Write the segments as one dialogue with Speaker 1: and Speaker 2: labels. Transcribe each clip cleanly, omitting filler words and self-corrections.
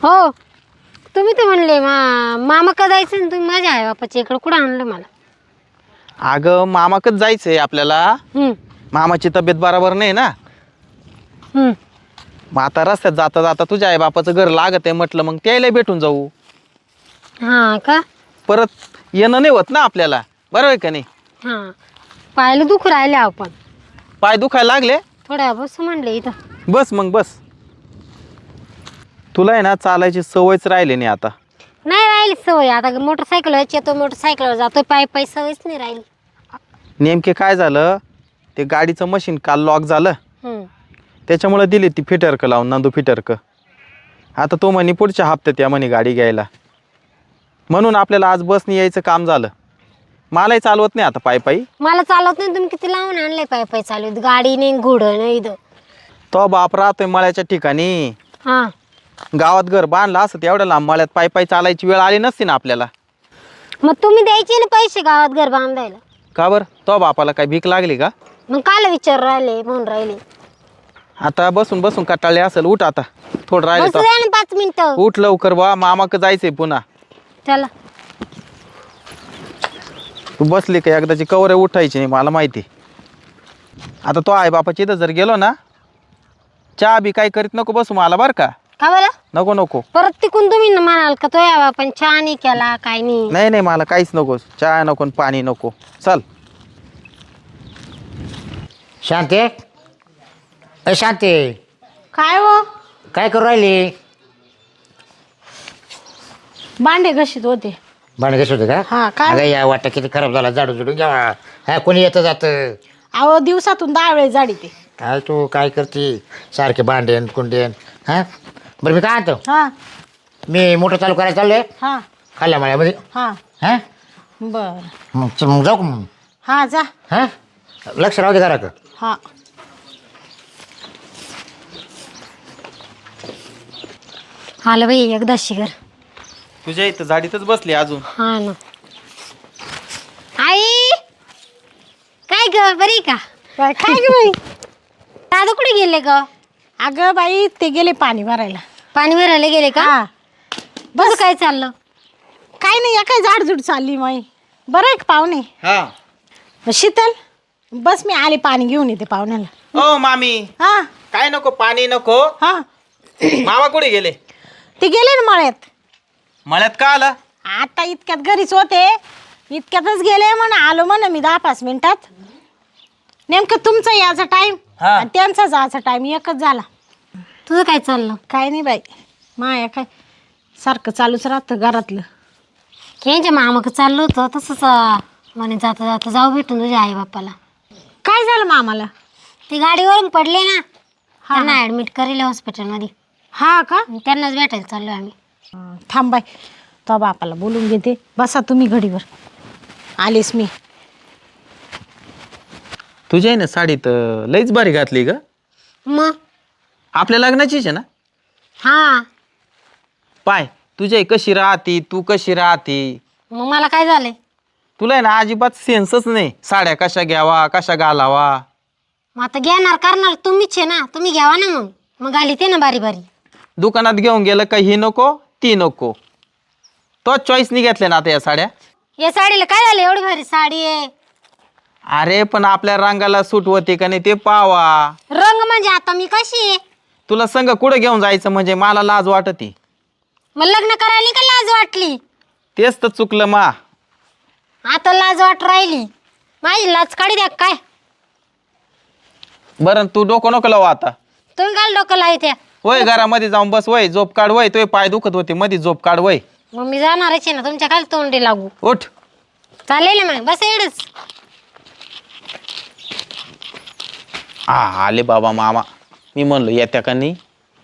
Speaker 1: हो तुम्ही तर म्हणले मामा का जायचं ना तुम्ही माझ्या आई बापाच्या इकडं कुठं आणलं मला
Speaker 2: अगं मामाकच जायचंय आपल्याला.
Speaker 1: हम्म,
Speaker 2: मामाची तब्येत बरोबर नाही ना.
Speaker 1: हम्म.
Speaker 2: मग आता रस्त्यात जाता जाता तुझ्या आई बापाचं घर लागत आहे म्हटलं, मग त्याला भेटून जाऊ.
Speaker 1: हां का
Speaker 2: परत येणं नाही होत ना आपल्याला, बरोबर आहे का नाही?
Speaker 1: हां पाहायला दुखू राहिले आपण
Speaker 2: पाय दुखायला लागले.
Speaker 1: थोड्या बस म्हणले इथं
Speaker 2: बस मग बस. तुला आहे ना चालायची सवयच राहिली नाही आता.
Speaker 1: नाही राहिली सवय आता मोटरसायकलवर येतो मोटरसायकलवर जातो पायी सवयच नाही राहिली.
Speaker 2: नेमके काय झालं, ते गाडीचं मशीन काल लॉक झालं.
Speaker 1: हम्म.
Speaker 2: त्याच्यामुळे दिली ती फिटरक लावून, नंदू फिटरक. आता तो म्हणे पुढच्या हप्त्यात या म्हणे गाडी घ्यायला, म्हणून आपल्याला आज बसने यायचं काम झालं. मलाही चालवत नाही आता पायी पायी.
Speaker 1: मला चालत नाही तुम्ही किती लावून आणले पायी चालू गाडी नाही घोडं नाही इथं.
Speaker 2: तो बाप राहतोय मळ्याच्या ठिकाणी.
Speaker 1: हां
Speaker 2: गावात घर बांधला असं एवढ्या लांब मळ्यात पायी पायी चालायची वेळ आली नसती ना आपल्याला.
Speaker 1: मग तुम्ही द्यायचे ना पैसे गावात घर बांधायला.
Speaker 2: का बरं, तो बापाला काय भीक लागली का?
Speaker 1: मग काल विचार राहिले म्हणून राहिले.
Speaker 2: आता बसून बसून कटाळले असेल. उठ आता, थोडं राहिले
Speaker 1: बसू
Speaker 2: तो.
Speaker 1: द्या ना 5 मिनिटं.
Speaker 2: उठ लवकर बा, मामाक जायचंय पुन्हा.
Speaker 1: चला
Speaker 2: तू बसली का एकदाची कवर उठायची नाही मला माहिती. आता तो आई बापाची इथं जर गेलो ना, चहा बी काय करीत नको बसू मला बरं का.
Speaker 1: का बरं
Speaker 2: नको नको.
Speaker 1: परत तिकून तुम्ही ना म्हणाल का तो यावा पण चहा नाही केला काय नाही.
Speaker 2: नाही नाही, मला काहीच नको. चहा नको, पाणी नको. चल.
Speaker 3: शांती, अ शांती,
Speaker 4: काय हो
Speaker 3: काय करू राहिली?
Speaker 4: भांडे घशीत होते.
Speaker 3: भांडे घेत होते का?
Speaker 4: हा, काय?
Speaker 3: अगं या वाटा किती खराब झाला, झाडू झुडून घ्यावा. हा कोणी येतं जातं.
Speaker 4: अहो दिवसातून 10 वेळेस जाडी ते.
Speaker 3: काय तू काय करते सारखे भांडेन कुंडेन. हा बरं मी काय आणतो,
Speaker 4: हा
Speaker 3: मी मोटर चालू करायला चाललोय
Speaker 4: हा
Speaker 3: खाल्ल्या माळ्यामध्ये.
Speaker 4: हा
Speaker 3: हा
Speaker 4: बर
Speaker 3: मग जाऊ का मग?
Speaker 4: हा जा.
Speaker 3: हा लक्ष राहू दे करा का.
Speaker 4: हा
Speaker 1: आलं बाई एकदा शिगर.
Speaker 2: तुझ्या इथं झाडीतच बसली अजून.
Speaker 1: हा ना आई काय ग बरी का?
Speaker 4: काय काय ग बाई?
Speaker 1: दादा कुठे गेले ग?
Speaker 4: अगं बाई ते गेले पाणी भरायला.
Speaker 1: पाणी भरायला गेले का?
Speaker 4: हा
Speaker 1: बस काय चाललं?
Speaker 4: काय नाही, या काय झाडझुड चालली माई. बरं आहे का पाहुणे?
Speaker 2: हा.
Speaker 4: शीतल बस मी आले पाणी घेऊन येते पाहुण्याला.
Speaker 2: ओ मामी,
Speaker 4: हा
Speaker 2: काय नको, पाणी नको.
Speaker 4: हा
Speaker 2: मामा कुठे गेले?
Speaker 4: ते गेले ना मळ्यात.
Speaker 2: मळ्यात का आला?
Speaker 4: आता इतक्यात घरीच होते, इतक्यातच गेले म्हणा आलो म्हणा मी 10-5 मिनिटात. नेमकं तुमचा याचा टाइम
Speaker 2: हा.
Speaker 4: आणि त्यांचा जायचा टाइम एकच झाला.
Speaker 1: तुझं काय चाललं?
Speaker 4: काय नाही बाई, माया काय सारखं चालूच राहतं घरातलं.
Speaker 1: यांच्या मामाक चाललं होतं तसंच म्हणे जाता जाता जाऊ भेटून तुझ्या आई बापाला.
Speaker 4: काय झालं मामाला?
Speaker 1: ते गाडीवरून पडले ना, त्यांना ऍडमिट करेल हॉस्पिटलमध्ये.
Speaker 4: हा का?
Speaker 1: त्यांनाच भेटायला चाललो आम्ही.
Speaker 4: थांब बाई, तो बापाला बोलून घेते. बसा तुम्ही घडीवर, आलेस मी.
Speaker 2: तुझी आहे ना साडी तर लईच भारी घातली ग.
Speaker 1: मग
Speaker 2: आपल्या लग्नाचीच आहे ना?
Speaker 1: हा
Speaker 2: पाय तुझी आई कशी राहती, तू कशी राहती.
Speaker 1: मग मला काय झालंय?
Speaker 2: तुला आहे ना अजिबात सेन्सच नाही. साड्या कशा घ्यावा, कशा घालावा.
Speaker 1: मग आता घेणार करणार तुम्हीच आहे ना, तुम्ही घ्यावा ना. मग घाली ते ना बारी बारी.
Speaker 2: दुकानात घेऊन गेलं का ही नको ती नको. तो चॉईसनी घेतल्या ना आता या साड्या.
Speaker 1: या साडीला काय झालं? एवढी भारी साडी आहे.
Speaker 2: अरे पण आपल्या रंगाला सूट होते का नाही ते पावा.
Speaker 1: रंग म्हणजे आता मी कशी आहे?
Speaker 2: तुला संग कुठं घेऊन जायचं म्हणजे मला लाज वाटती.
Speaker 1: मग लग्न करायला का लाज वाटली?
Speaker 2: तेच तर चुकलं मा.
Speaker 1: आता लाज वाट राहिली. माझी लाज काढी द्या काय?
Speaker 2: बरं तू डोकं नको लावू आता.
Speaker 1: तुम्ही काल डोकं लावत्या.
Speaker 2: वय घरामध्ये जाऊन बस. वय झोप काढ. वय तुझे पाय दुखत होते मध्ये झोप काढ. वय
Speaker 1: मग मी जाणारच आहे ना, तुमच्या खाली तोंडी लागू.
Speaker 2: उठ.
Speaker 1: चालेल मग बस एवढंच.
Speaker 2: आले बाबा मामा. मी म्हणलो येत्या का नाही.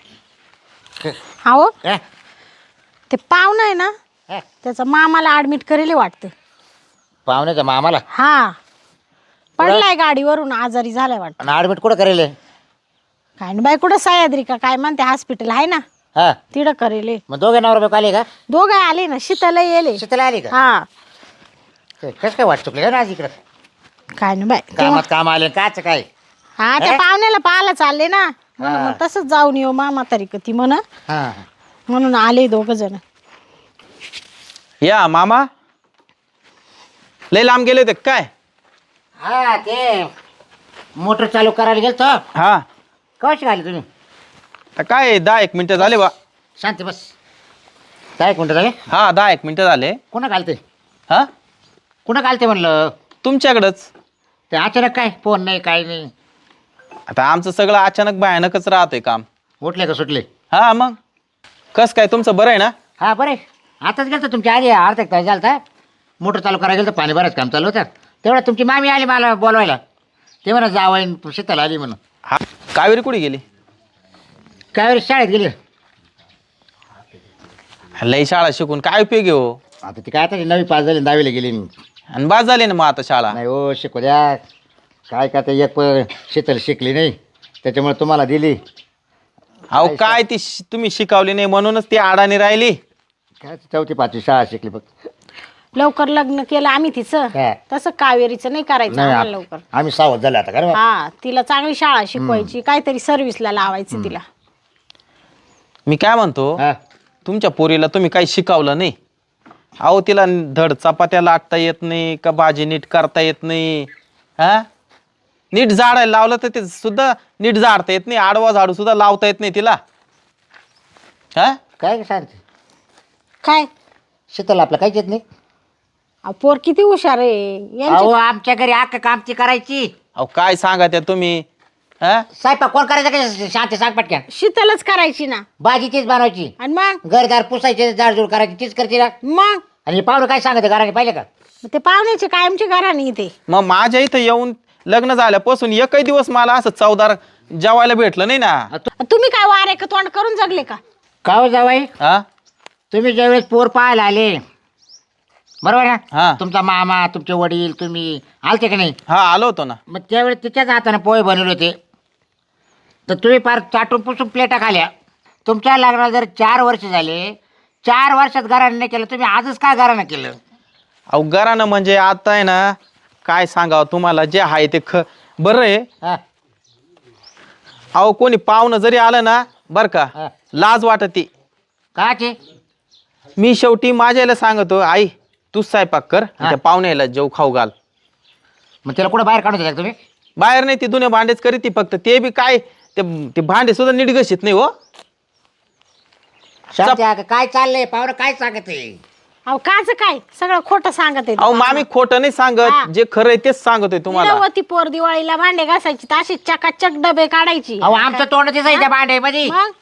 Speaker 4: हो
Speaker 3: हा?
Speaker 4: ते पाहुणं आहे ना,
Speaker 3: हा?
Speaker 4: त्याचा मामाला ऍडमिट करेल वाटतं.
Speaker 3: पाहुण्याचा मामाला
Speaker 4: हा पडलाय गाडीवरून, आजारी झालाय वाटतं.
Speaker 3: आणि ॲडमिट कुठं करेल?
Speaker 4: काय ना बाई, कुठं सह्याद्री का काय म्हणते हॉस्पिटल आहे ना,
Speaker 3: हा
Speaker 4: तिथं करेल.
Speaker 3: मग दोघे नवरा आले का?
Speaker 4: दोघं आले ना, शीतल येले.
Speaker 3: शीतला आली का?
Speaker 4: हा
Speaker 3: कसं काय वाट चुकले ना आज इकडं?
Speaker 4: काय ना बाई
Speaker 3: कामात काम आले काच काय?
Speaker 4: हा त्या पाहुण्याला पाहायला चालले ना, म्हणून मग तसंच जाऊन येऊ मामा तरी ती म्हण.
Speaker 3: हा
Speaker 4: म्हणून आले दोघ जण.
Speaker 2: या मामा लय लांब गेले होते काय?
Speaker 3: हा ते मोटर चालू करायला गेलतो.
Speaker 2: हा
Speaker 3: कशी घाली तुम्ही?
Speaker 2: तर काय 10-1 मिनिटं झाले बा.
Speaker 3: शांती बस. काय कोणतं झाले?
Speaker 2: हा 10-1 मिनिटं झाले.
Speaker 3: कुणा घालते?
Speaker 2: हा
Speaker 3: कुणा घालते म्हणलं?
Speaker 2: तुमच्याकडंच.
Speaker 3: ते अचानक काय फोन नाही काय नाही.
Speaker 2: आता आमचं सगळं अचानक भयानकच राहतंय काम.
Speaker 3: उठले का सुटले?
Speaker 2: हा मग कस काय तुमचं बरं आहे ना?
Speaker 3: हा बरे. आताच गेलं तुमच्या आधी अर्धा एक तास झाला होता. मोटर चालू करायला गेलं पाणी बरंच काम चालू होतं. तेवढं तुमची मामी आली मला बोलवायला. ते म्हणा जावं शीतल आली म्हणून.
Speaker 2: हा कावेरी कुठे गेली?
Speaker 3: काय वेळेस शाळेत गेली.
Speaker 2: लई शाळा शिकून काय उपयोग आहे हो?
Speaker 3: आता ती काय आता 9वी पास झाली 10वीला गेली.
Speaker 2: आणि बाद झाले ना मग आता शाळा.
Speaker 3: नाही हो शिकू द्या. काय का ते एक शीतल शिकली नाही त्याच्यामुळे तुम्हाला दिली.
Speaker 2: अहो काय ती तुम्ही शिकवली नाही म्हणूनच ती अडाणी राहिली.
Speaker 3: काय 4वी 5वी शाळा शिकली फक्त.
Speaker 4: लवकर लग्न केलं आम्ही तिचं.
Speaker 3: हा.
Speaker 4: तसं कावेरीचं नाही करायचं
Speaker 3: नाही
Speaker 4: आम्हाला लवकर.
Speaker 3: आम्ही सावध झाले आता का?
Speaker 4: हा तिला चांगली शाळा शिकवायची, काहीतरी सर्व्हिसला लावायचं तिला.
Speaker 2: मी काय म्हणतो
Speaker 3: हा
Speaker 2: तुमच्या पोरीला तुम्ही काही शिकवलं नाही. अहो तिला धड चपात्या लाटता येत नाही का भाजी नीट करता येत नाही. हा नीट झाडायला लावलं तर ते सुद्धा नीट झाडता येत नाही. आडवा झाडू सुद्धा लावता येत नाही तिला. हा
Speaker 3: काय शांती?
Speaker 4: काय
Speaker 3: शीतल आपलं काहीच येत नाही.
Speaker 4: अहो, पोर किती हुशार आहे यांची.
Speaker 3: अहो आमच्या घरी अख्खं काम ती करायची.
Speaker 2: अहो काय सांगा त्या तुम्ही. हा
Speaker 3: स्वयंपाक कोण करायचं काय? शांती सांग पटक्या.
Speaker 4: शीतलच करायची ना.
Speaker 3: भाजी तीच बनवायची.
Speaker 4: आणि मग
Speaker 3: घरदार पुसायचे जाडजूड करायची तीच करते ना.
Speaker 4: मग
Speaker 3: आणि हे पाहुणे काय सांगते घराने पाहिले का?
Speaker 4: ते पाहुण्याचे कायमचे घराने इथे.
Speaker 2: मग माझ्या इथं येऊन लग्न झाल्यापासून एकही दिवस मला असं चवदार जेवायला भेटलं नाही ना.
Speaker 4: तुम्ही काय वारे का तोंड करून जगले का?
Speaker 3: का हो जावाई?
Speaker 2: हा
Speaker 3: तुम्ही ज्यावेळेस पोर पाहायला आले बरोबर
Speaker 2: हा.
Speaker 3: ना? तुमचा मामा तुमचे वडील तुम्ही आलते का नाही?
Speaker 2: हा आलो होतो ना.
Speaker 3: मग त्यावेळेस तिच्याच हाताने पोहे बनवले होते. तर तुम्ही फार चाटून पुसून प्लेटा खाल्या. तुमच्या लग्नाला जर 4 वर्ष झाले 4 वर्षात घराने नाही केलं तुम्ही आजच काय घरानं केलं?
Speaker 2: अहो घरानं म्हणजे आता आहे ना काय सांगावं तुम्हाला जे आहे ते बरं आहे.
Speaker 3: हा
Speaker 2: अहो कोणी पाहुणं जरी आलं ना बरं का
Speaker 3: हा.
Speaker 2: लाज वाटते.
Speaker 3: का ते?
Speaker 2: मी शेवटी माझ्याला सांगतो आई तूच स्वयंपाक कर
Speaker 3: हा.
Speaker 2: त्या पाहुण्याला जेव खाऊ घाल.
Speaker 3: मग त्याला कुठं बाहेर काढून देता का तुम्ही?
Speaker 2: बाहेर नाही ती जुने भांडेच करीत ती फक्त. ते बी काय ते भांडे सुद्धा नीट घशीत नाही हो.
Speaker 3: शांती आहे का? काय चाललंय पाहुणं काय सांगत आहे?
Speaker 4: अहो काच काय सगळं खोटं सांगत आहे.
Speaker 2: अहो मामी खोटं नाही
Speaker 4: हा.
Speaker 2: सांगत जे खरं आहे तेच सांगतोय तुम्हाला.
Speaker 4: निरवती पोर दिवाळीला भांडे घासायची तशी चकाचक डबे काढायची.
Speaker 3: अहो आमचं तोंड दिसायचं त्या भांड्यामध्ये.
Speaker 4: मग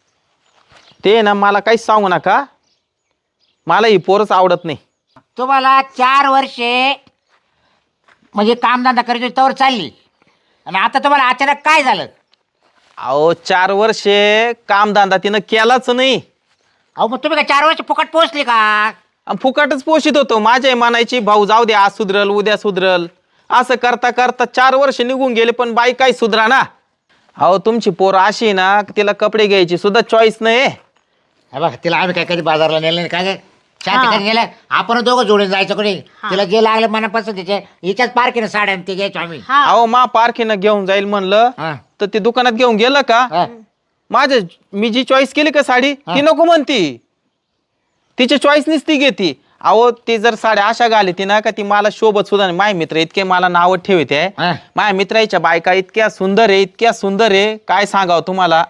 Speaker 2: ते ना मला काहीच सांगू नका. मला ही पोरच आवडत नाही.
Speaker 3: तुम्हाला 4 वर्षे म्हणजे कामधंदा करायची तवर चालली आणि आता तुम्हाला अचानक काय झालं?
Speaker 2: अहो 4 वर्षे कामधंदा तिनं केलाच नाही.
Speaker 3: अहो मग तुम्ही काय 4 वर्ष फुकट पोहोचले का?
Speaker 2: आणि फुकटच पोषित होतो. माझ्या म्हणायची भाऊ जाऊ दे आज सुधरल उद्या सुधरल असं करता करता 4 वर्ष निघून गेले पण बाई काही सुधरा ना. अहो तुमची पोर अशी आहे ना तिला कपडे घ्यायची सुद्धा चॉईस नाही.
Speaker 3: हे बघ तिला आम्ही काय कधी बाजारला नेलं नाही काय शांती
Speaker 4: हा.
Speaker 3: कधी नेलं? आपण दोघं जोडून जायचं कोणी तिला जे लागलं मनापासून तिचे हिच्याच पार्कीनं साड्या ते घ्यायचो आम्ही.
Speaker 4: हा
Speaker 2: अहो मा पारखीनं घेऊन जाईल म्हणलं
Speaker 3: हा.
Speaker 2: तर ते दुकानात घेऊन गेलं का
Speaker 3: हा.
Speaker 2: माझ्या मी जी चॉईस केली का साडी ती नको म्हणती. तिच्या चॉईसनीच ती घेती. अहो ती जर साड्या अशा घालती ना का ती मला शोभत सुद्धा नाही. माझे मित्र इतके मला नावं ठेवते.
Speaker 3: हा.
Speaker 2: माझ्या मित्राच्या बायका इतक्या सुंदर आहे इतक्या सुंदर आहे काय सांगावं तुम्हाला.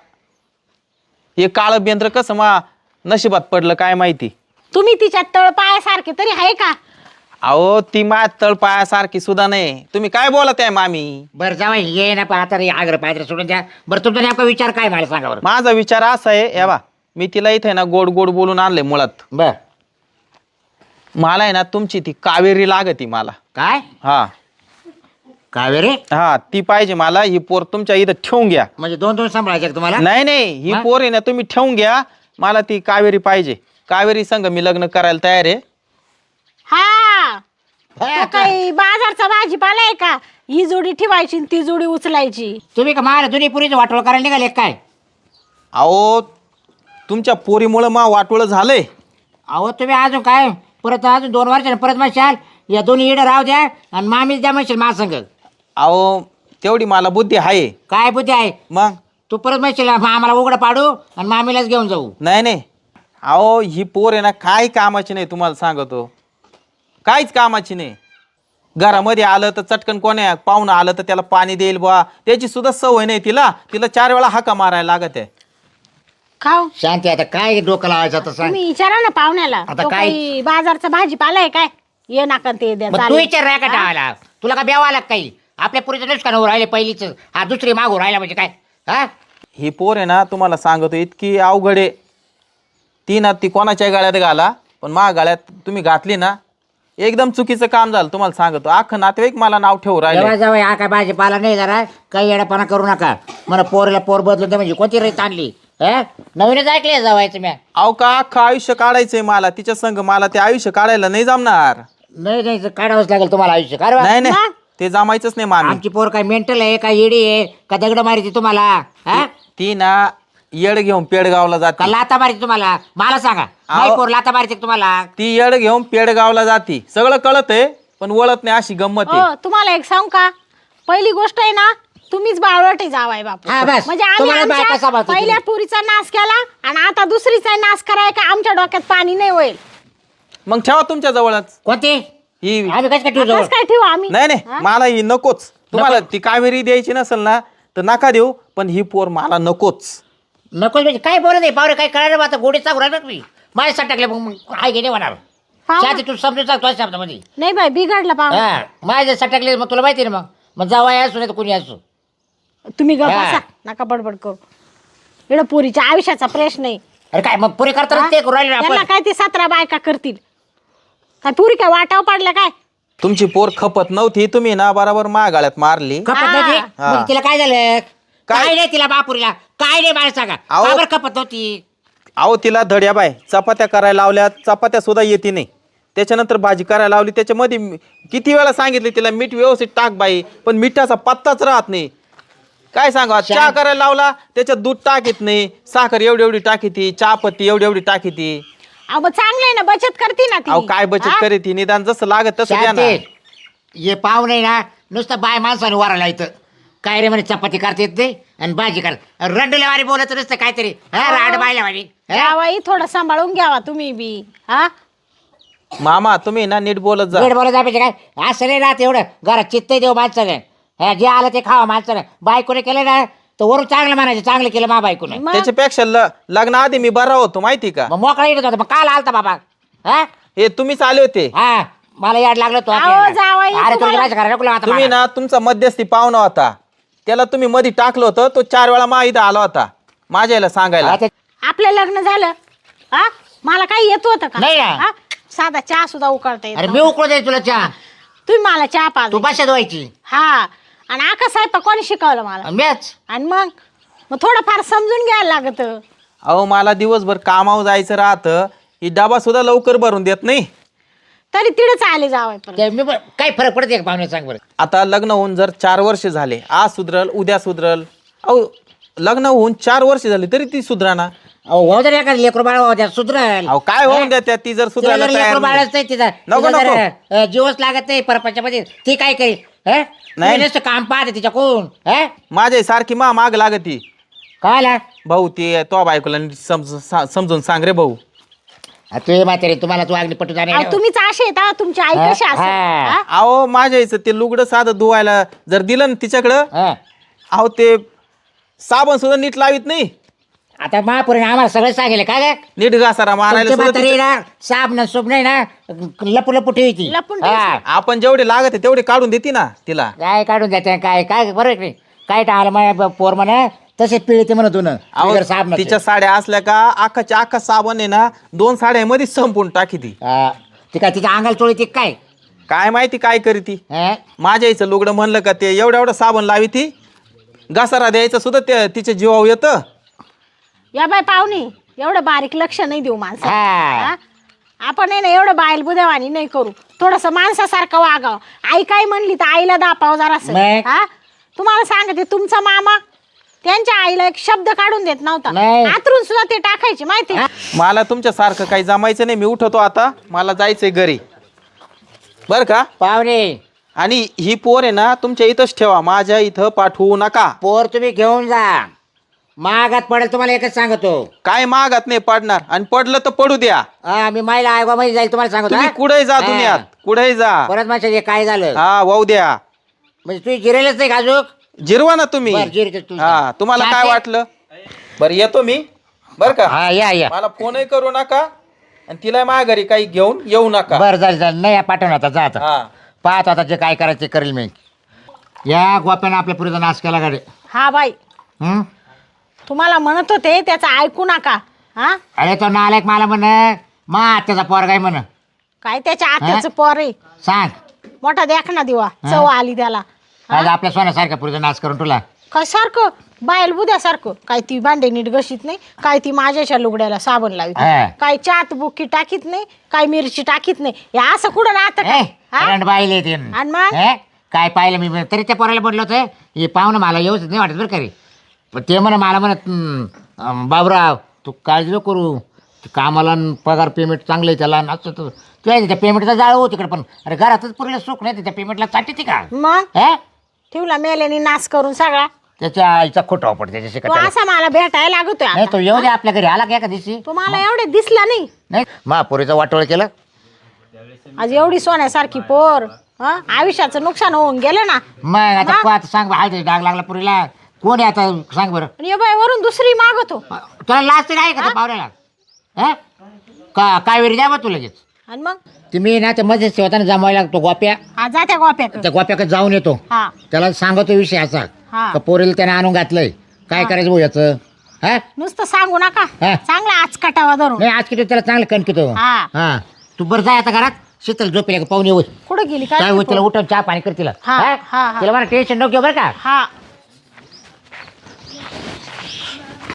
Speaker 2: हे काळं बेंद्र कसं मा नशिबात पडलं काय माहिती.
Speaker 4: तुम्ही तिच्या तळ पायासारखे तरी आहे का?
Speaker 2: अहो ती माझ्या तळपायासारखी सुद्धा नाही. तुम्ही काय बोलत आहे मामी?
Speaker 3: बरं जावा ये ना आता आग्र पात्र सोडून द्या. बरं तुमचा नेमका विचार काय मला सांगा बरं.
Speaker 2: माझा विचार असा आहे या बा मी तिला इथे ना गोड गोड बोलून आणले मुळात.
Speaker 3: बर
Speaker 2: मला आहे ना तुमची ती कावेरी लागती मला.
Speaker 3: काय
Speaker 2: हा
Speaker 3: कावेरी?
Speaker 2: हा ती पाहिजे मला. ही पोर तुमच्या इथं ठेवून घ्या.
Speaker 3: म्हणजे 2 सांभाळायचे का तुम्हाला?
Speaker 2: नाही नाही ही
Speaker 3: हा?
Speaker 2: पोर आहे ना तुम्ही ठेवून घ्या. मला ती कावेरी पाहिजे. कावेरी संग मी लग्न करायला तयार आहे.
Speaker 4: हा तो काही बाजारचा भाजीपाला आहे का? ही जोडी ठेवायची आणि ती जोडी उचलायची.
Speaker 3: तुम्ही का महाराज जुनी पुरीचं वाटोळ करायला निघाले काय?
Speaker 2: अहो तुमच्या पोरीमुळं मा वाटोळं झालंय.
Speaker 3: अहो तुम्ही अजून काय परत अजून 2 वर्षाने परत म्हणशाल या दोन्ही इडं राहू द्या आणि मामीच द्या म्हणशील महासंघ.
Speaker 2: अहो तेवढी मला बुद्धी आहे.
Speaker 3: काय बुद्धी आहे?
Speaker 2: मग
Speaker 3: तू परत म्हणशील आम्हाला उघडं पाडू आणि मामीलाच घेऊन जाऊ.
Speaker 2: नाही नाही अहो ही पोर आहे ना काय कामाची नाही तुम्हाला सांगतो, काहीच कामाची नाही. घरामध्ये आलं तर चटकन कोण्या पाहुणं आलं तर त्याला पाणी देईल बा, त्याची सुद्धा सवय नाही तिला. तिला 4 वेळा हाका मारायला लागत आहे.
Speaker 4: खाऊ
Speaker 3: शांती आता काय डोकं लावायचं आता सांग.
Speaker 4: तुम्ही विचारा ना पाहुण्याला.
Speaker 3: आता
Speaker 4: तो
Speaker 3: काय?
Speaker 4: काही बाजारचा भाजीपाला आहे काय? ये नाका ते द्या
Speaker 3: मग तू
Speaker 4: चालेल.
Speaker 3: विचार राय का टाळायला, तुला का ब्यावा लाग काही? आपल्या पुरीचं नुकसान होऊ राहिले पहिलीच, हा दुसरी मागू राहिला म्हणजे काय? हा
Speaker 2: ही पोर आहे ना तुम्हाला सांगतो इतकी अवघड आहे. ती ना ती कोणाच्या गाळ्यात घाला, पण मा गाळ्यात तुम्ही घातली ना एकदम चुकीचं काम झालं. तुम्हाला सांगतो अख्खं नातेवाईक मला नाव ठेवू राहिले.
Speaker 3: जेव्हा जेव्हा हा काय भाजीपाला नाही जरा काही येडापणा करू नका. मला पोरीला पोर बदलून दे म्हणजे कोणती रीत आणली? नवीनच ऐकले जावायचं म्या.
Speaker 2: अहो का अख्खं आयुष्य काढायचंय मला तिच्या संग, मला ते आयुष्य काढायला नाही जमणार.
Speaker 3: नाही नाही काढावंच लागेल तुम्हाला आयुष्य. का रे बा?
Speaker 2: नाही नाही ते जमायचंच नाही मामी.
Speaker 3: आमची पोर काय मेंटल आहे का येडी आहे का दगड मारायची तुम्हाला? हा
Speaker 2: ती ना येड घेऊन पेडगावला
Speaker 3: का
Speaker 2: जाते.
Speaker 3: लाता मारायची तुम्हाला? मला सांगा, नाही पोर लाता मारायची का तुम्हाला?
Speaker 2: ती येड घेऊन पेडगावला जाती. सगळं कळत आहे पण वळत नाही, अशी गंमत आहे.
Speaker 4: हो तुम्हाला एक सांगू का? पहिली गोष्ट आहे ना, तुम्हीच बावळटे जावाय बापू.
Speaker 3: हा, बस.
Speaker 4: म्हणजे आम्ही
Speaker 3: तुम्हाला बायका
Speaker 4: आमच्या
Speaker 3: सांभाळतो
Speaker 4: पहिल्या
Speaker 3: तुम्ही.
Speaker 4: पुरीचा नाश केला आणि आता दुसरीचा नाश कराय का आमच्या डोक्यात पाणी नाही होईल.
Speaker 2: मग ठेवा तुमच्या जवळच
Speaker 3: कोणती?
Speaker 2: ही.
Speaker 3: आम्ही कसं काय ठेवू जवळ?
Speaker 4: कसं काय ठेवू आम्ही?
Speaker 2: नाही नाही मला ही नकोच. तुम्हाला ती कावेरी द्यायची नसेल ना तर नका देऊ, पण ही पोर मला नकोच.
Speaker 3: नको म्हणजे काय बोलत आहे पावरे? काय करायला आता गोडी सांगू राहिला तुम्ही? माझ्या साठ टाकले मग काय गेले होणार?
Speaker 4: पाहू.
Speaker 3: शांती तू समजून सांग तुझ्या शब्दामध्ये.
Speaker 4: नाही बाई बिघडला पाहू.
Speaker 3: हा माझ्या साठ टाकले मग तुला माहिती ना. मग जावा असू नाही तर कोणी असू.
Speaker 4: तुम्ही गप्प
Speaker 3: हा.
Speaker 4: बसा, नका बडबड करू. एवढं पुरीच्या आयुष्याचा प्रश्न नाही.
Speaker 3: अरे काय मग पुरे करताना
Speaker 4: हा?
Speaker 3: ते करू राहिले ना
Speaker 4: त्यांना
Speaker 3: आपण.
Speaker 4: काय ते 17 बायका करतील काय? पुरी काय वाटाव पडल्या काय?
Speaker 2: तुमची पोर खपत नव्हती, तुम्ही ना बरोबर मागाळ्यात मारली.
Speaker 3: खपत नव्हती?
Speaker 2: हा.
Speaker 3: मग तिला काय झालं?
Speaker 2: काय?
Speaker 3: काय नाही तिला बापुरीला काय नाही मला सांगा.
Speaker 2: अहो.
Speaker 3: का बरं खपत नव्हती?
Speaker 2: अहो तिला धड्या बाय चपात्या करायला लावल्या, चपात्या सुद्धा येते नाही. त्याच्यानंतर भाजी करायला लावली, त्याच्यामध्ये किती वेळा सांगितले तिला मीठ व्यवस्थित टाक बाई, पण मिठाचा पत्ताच राहत नाही. काय सांगा, चहा करायला लावला त्याच्यात दूध टाकीत नाही, साखर एवढी एवढी टाकीती, चहा पत्ती एवढी एवढी टाकीती.
Speaker 4: अहो मग चांगलं आहे ना, बचत करते ना ती.
Speaker 2: अहो काय बचत
Speaker 4: हा?
Speaker 2: करीत ती, निदान जसं लागत तसं द्या ना.
Speaker 3: शांती, ये पाव नाही ना नुसतं बाय माणसाने वारायला इथं. काय रे म्हणे चपाती करता येत नाही आणि भाजी कर रंडल्यावारी बोलत नसतं काहीतरी. हा राड बायला वारी.
Speaker 4: जावाई थोडं सांभाळून घ्यावा तुम्ही बी. हा
Speaker 2: मामा तुम्ही ना नीट बोलत जा.
Speaker 3: वेळ बोलत जायचे काय? असं नाही राहत एवढं. घरात चित्त देऊ माणसाने. हा जे आलं ते खावा माणसाने. बायकोने केलं ना तर वरून चांगलं म्हणायचं, चांगलं केलं मा बायकोने.
Speaker 4: मग
Speaker 2: त्याच्यापेक्षा लग्नाआधी मी बरा होतो माहिती का.
Speaker 3: मग मोकळा येत होता. मग काल आलता बाबा? हा
Speaker 2: हे तुम्हीच आले होते.
Speaker 3: हा मला याड लागलं तो.
Speaker 4: अहो, जावई,
Speaker 3: अरे तुला
Speaker 4: तुम्हाला-
Speaker 3: माझ्या घराला नको आता
Speaker 2: तुम्ही
Speaker 3: मला.
Speaker 2: ना तुमचा मध्यस्थी पाहुणा होता, त्याला तुम्ही मध्ये टाकलं होतं. तो 4 वेळा मा इथं आला होता माझ्या याला सांगायला.
Speaker 3: हा, ते-
Speaker 4: आपलं लग्न झालं हा मला काही येत होतं का?
Speaker 3: नाही ना.
Speaker 4: हा? साधा चहा सुद्धा उकळता येत
Speaker 3: अरे मी
Speaker 4: नव्हता.
Speaker 3: उकळू दे तुला चहा.
Speaker 4: तुम्ही मला चहा
Speaker 3: तू
Speaker 4: पाजली.
Speaker 3: भाषा धुवायची.
Speaker 4: हा आणि आका साहेब कोणी शिकवलं मला?
Speaker 3: मॅच
Speaker 4: आणि मग थोडंफार समजून घ्यायला लागत.
Speaker 2: अहो मला दिवसभर कामावर जायचं राहतं, ही डबा सुद्धा लवकर भरून देत नाही.
Speaker 4: तरी तिडेच आले जावं परत.
Speaker 3: मी काय फरक पडते का पाहुणे सांग बरं.
Speaker 2: आता लग्न होऊन जर 4 वर्ष झाले, आज सुधरल उद्या सुधरल. अहो लग्न होऊन 4 वर्ष झाली तरी ती सुधराना.
Speaker 3: अहो हो जर एखादं लेकरू बाळ हो द्या सुधरल.
Speaker 2: अहो काय होऊन द्या त्या, ती जर
Speaker 3: तिला
Speaker 2: सुधरायला
Speaker 3: जर
Speaker 2: तयार
Speaker 3: लेकरू
Speaker 2: नाही.
Speaker 3: बाळच नाही तिचा
Speaker 2: नको,
Speaker 3: तिला जर,
Speaker 2: नको.
Speaker 3: जीवच लागत नाही परपंचामध्ये ती काय करेल?
Speaker 2: नाही.
Speaker 3: नाही नुसतं काम पाहते तिच्या कोण.
Speaker 2: माझ्या सारखी माग लागती.
Speaker 3: काय आला
Speaker 2: भाऊ ते तो बायकोला नीट समजून सांग रे भाऊ.
Speaker 3: तू म्हातारे तुम्हाला तू अगदी पटू जाणे.
Speaker 4: अहो, तुम्हीच असे आहेत हा, तुमची आई कशी
Speaker 3: हा,
Speaker 4: असेल
Speaker 3: हा.
Speaker 4: हा?
Speaker 2: अहो माझ्या इथं ते लुगडं साधं धुवायला जर दिलं ना तिच्याकडं, अहो ते साबण सुद्धा नीट लावित नाही.
Speaker 3: आता महापुरीने आम्हाला सगळं सांगेल काय काय
Speaker 2: नीट घासारा मारायला सुद्धा
Speaker 3: म्हातारी
Speaker 2: तिच्या-
Speaker 3: ना साप ना सुप नाही ना लपू लपू ठेवायची.
Speaker 4: लपून
Speaker 2: आपण जेवढे लागत आहे तेवढे काढून देते ना तिला.
Speaker 3: काय काढून द्यायचं काय काय बरोबर आहे की नाही? काय टाळलं माझ्या पोर म्हणा तसे पिळते म्हणत होतं
Speaker 2: अहो,
Speaker 3: ना साप नसेल.
Speaker 2: तिच्या साड्या असल्या का अख्खाच्या अख्खा साबण आहे ना 2 साड्यामध्ये संपून टाकी ती.
Speaker 3: ती काय तिच्या अंगाला चोळी ती काय?
Speaker 2: काय माहिती काय करी ती.
Speaker 3: हा?
Speaker 2: माझ्या इथं लुगडं म्हणलं का ते एवढं एवढं साबण लावी ती. घसारा द्यायचं सुद्धा ते तिच्या जीवावर येतं.
Speaker 4: या बाय पाहुणे एवढं बारीक लक्ष नाही देऊ माणसा.
Speaker 3: हा.
Speaker 4: आपण आहे ना एवढं बायल बुद्यावानी नाही करू. थोडस माणसासारखं वागावं. आई काय म्हणली तर आईला दापाव जरासं.
Speaker 3: नाही.
Speaker 4: हा तुम्हाला सांगते तुमचा मामा त्यांच्या आईला एक शब्द काढून देत नव्हता.
Speaker 3: नाही.
Speaker 4: आतरून सुद्धा ते टाकायचे माहिती
Speaker 3: हा?
Speaker 2: मला तुमच्या सारखं काही जमायचं नाही. मी उठवतो आता, मला जायचंय घरी बर का.
Speaker 3: पाहुणे
Speaker 2: आणि ही पोर आहे ना तुमच्या इथंच ठेवा, माझ्या इथं पाठवू नका.
Speaker 3: पोर तुम्ही घेऊन जा. महागात पडेल तुम्हाला एकच सांगतो.
Speaker 2: काय मागात नाही पडणार, आणि पडलं तर पडू द्या.
Speaker 3: मी महिला आयोगामध्ये जाईल तुम्हाला सांगतो.
Speaker 2: तुम्ही
Speaker 3: हा?
Speaker 2: कुठेही जा
Speaker 3: हा.
Speaker 2: दुनियात, कुठेही जा.
Speaker 3: परत माझ्या काय झालं
Speaker 2: हा वाहू द्या.
Speaker 3: म्हणजे तू जिरेलच नाही का
Speaker 2: जिरवा ना तुम्ही.
Speaker 3: बरं, जिरते तू.
Speaker 2: हा तुम्हाला काय
Speaker 3: चालतंय.
Speaker 2: वाटलं? बरं येतो मी बर का.
Speaker 3: हा या
Speaker 2: मला फोनही करू नका, आणि तिला माझ्या घरी काही घेऊन येऊ नका.
Speaker 3: बरं झालं नाही पाठवून आता जा आता.
Speaker 2: हा
Speaker 3: पाहतो आता जे काय करायचं ते करेल मी. या गोप्यानं आपल्या पुरीचा नाश केला गाडी.
Speaker 4: हा बाई
Speaker 3: हं?
Speaker 4: तुम्हाला म्हणत होते त्याचं ऐकू नका. हा
Speaker 3: अरे तो नालायक मला म्हण मा आत्याचा पोरगा आहे म्हण.
Speaker 4: काय त्याच्या आत्याचं पोर आहे.
Speaker 3: सांग
Speaker 4: मोठा देखना दिवा चव आली त्याला.
Speaker 3: आज आपल्या सोन्यासारख्या पुरीचा नाश करून तुला.
Speaker 4: काय सारखं बायल बुद्यासारखं काय ती भांडे नीट घशीत नाही, काय ती माझ्याच्या लुगड्याला साबण लावित
Speaker 3: हा.
Speaker 4: नाही, काय चात बुक्की टाकीत नाही, काय मिरची टाकीत नाही. हे असं कुठं राहतं काय? हा?
Speaker 3: बाईले ते
Speaker 4: आणि मग?
Speaker 3: हे? काय पाहिलं मी तरी त्या पोराला म्हटलं होतं हे पाहुणं मला व्यवस्थित नाही वाटत बरं का रे. पण ते म्हणा मला म्हणत बाबराव तू काळजी नको करू, ते कामाला न पगार पेमेंट चांगलं आहे त्याला असं तू त्या पेमेंटचा जाळ हो तिकडे. पण अरे घरातच पुरीला सुख नाही त्या पेमेंटला चाटी का
Speaker 4: मग
Speaker 3: हे
Speaker 4: ठेवला मेल्याने नाश करून सगळा.
Speaker 3: त्याच्या आईचा खोटा वापरत त्याच्याशी
Speaker 4: तो
Speaker 3: का
Speaker 4: असा मला भेटायला लागतोय
Speaker 3: नाही
Speaker 4: आता.
Speaker 3: तो येऊ दे आपल्या घरी आला का एका दिवशी.
Speaker 4: तुम्हाला एवढे दिसला नाही.
Speaker 3: नाही महापुरीचं वाटोळ केलं.
Speaker 4: आज एवढी सोन्यासारखी पोर हा आयुष्याचं नुकसान होऊन गेलं ना.
Speaker 3: मग आता
Speaker 4: मग?
Speaker 3: आता सांग हाय डाग लागला पुरीला कोण आहे आता सांग बरं.
Speaker 4: आणि बाई वरून दुसरी मागतो.
Speaker 3: तुला लास्ट आहे का त्या पावऱ्याला हा का काय वेळी द्या बा तू लगेच.
Speaker 4: आणि मग
Speaker 3: तुम्ही ना ते मध्येच ठेवताना जमायला लागतो गोप्या.
Speaker 4: हा जात्या गोप्याकडे.
Speaker 3: त्या गोप्याकडे जाऊन येतो
Speaker 4: हा
Speaker 3: त्याला सांगतो विषय असा
Speaker 4: हा.
Speaker 3: का पोरीला त्याने आणून घातलंय काय करायचं भाऊ याचं. हा
Speaker 4: नुसतं सांगू नका.
Speaker 3: हा.
Speaker 4: चांगला आचकाटावा धरून.
Speaker 3: नाही आज किती त्याला चांगलं कणकितो.
Speaker 4: हा.
Speaker 3: हा तू बरं जाय आता घरात शीतल झोपेला पाहुणे होत
Speaker 4: कुठं गेली
Speaker 3: काय
Speaker 4: काय
Speaker 3: होत तिला उठून चहा पाणी कर तिला.
Speaker 4: हा,
Speaker 3: हा?
Speaker 4: हा, हा.
Speaker 3: तिला मला टेन्शन नको घेऊ बरं का.
Speaker 4: हा